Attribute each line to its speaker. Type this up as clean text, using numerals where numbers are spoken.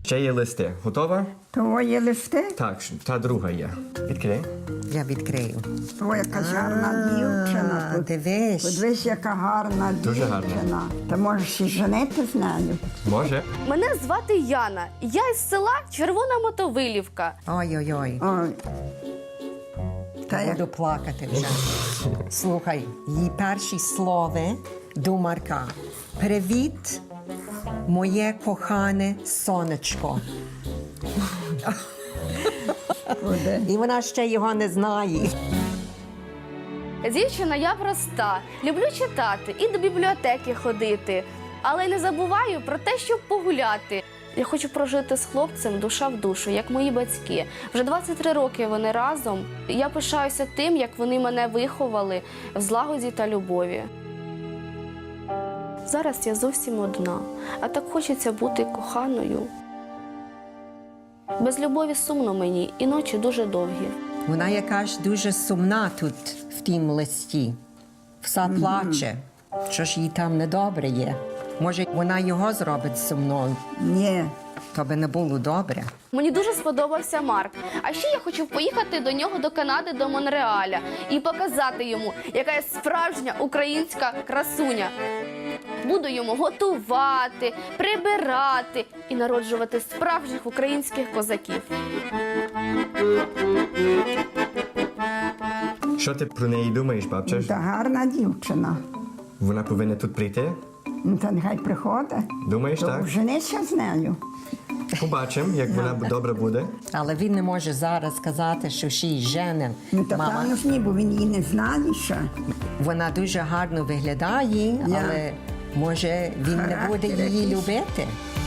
Speaker 1: Ще є листи. Готова?
Speaker 2: Твої листи?
Speaker 1: Так, та друга є. Відкрий.
Speaker 3: Я відкрию.
Speaker 2: Твоя яка гарна дівчина.
Speaker 3: Дивись.
Speaker 2: Подивись, яка гарна
Speaker 1: Дуже гарна.
Speaker 2: дівчина. Ти можеш і женити з нею.
Speaker 1: Може?
Speaker 4: Мене звати Яна. Я із села Червона Мотовилівка.
Speaker 3: Ой-ой-ой.
Speaker 2: Ой. Та як
Speaker 3: Буду плакати вже. Слухай, її перші слова до Марка. Привіт, моє кохане сонечко.
Speaker 2: буде.
Speaker 3: І вона ще його не знає.
Speaker 4: Дівчина я проста, люблю читати і до бібліотеки ходити, але не забуваю про те, щоб погуляти. Я хочу прожити з хлопцем душа в душу, як мої батьки. Вже 23 роки вони разом. Я пишаюся тим, як вони мене виховали в злагоді та любові. Зараз я зовсім одна, а так хочеться бути коханою. Без любові сумно мені, і ночі дуже довгі.
Speaker 3: Вона якась дуже сумна тут в тім листі. Вся плаче. Що ж їй там недобре є? Може, вона його зробить сумною?
Speaker 2: Ні.
Speaker 3: То би не було добре.
Speaker 4: Мені дуже сподобався Марк. А ще я хочу поїхати до нього до Канади, до Монреаля і показати йому, яка я справжня українська красуня. Буду йому готувати, прибирати і народжувати справжніх українських козаків.
Speaker 1: Що ти про неї думаєш, бабча?
Speaker 2: Та гарна дівчина.
Speaker 1: Вона повинна тут прийти?
Speaker 2: Ну, та нехай приходить.
Speaker 1: Думаєш, так?
Speaker 2: Женися з нею.
Speaker 1: Побачимо, як вона добре буде.
Speaker 3: Але він не може зараз сказати, що ще й жене.
Speaker 2: Ну, та
Speaker 3: Мама,
Speaker 2: певно ж ні, бо він її не знає ще.
Speaker 3: вона дуже гарно виглядає,
Speaker 2: Я.
Speaker 3: але може він не буде її любити.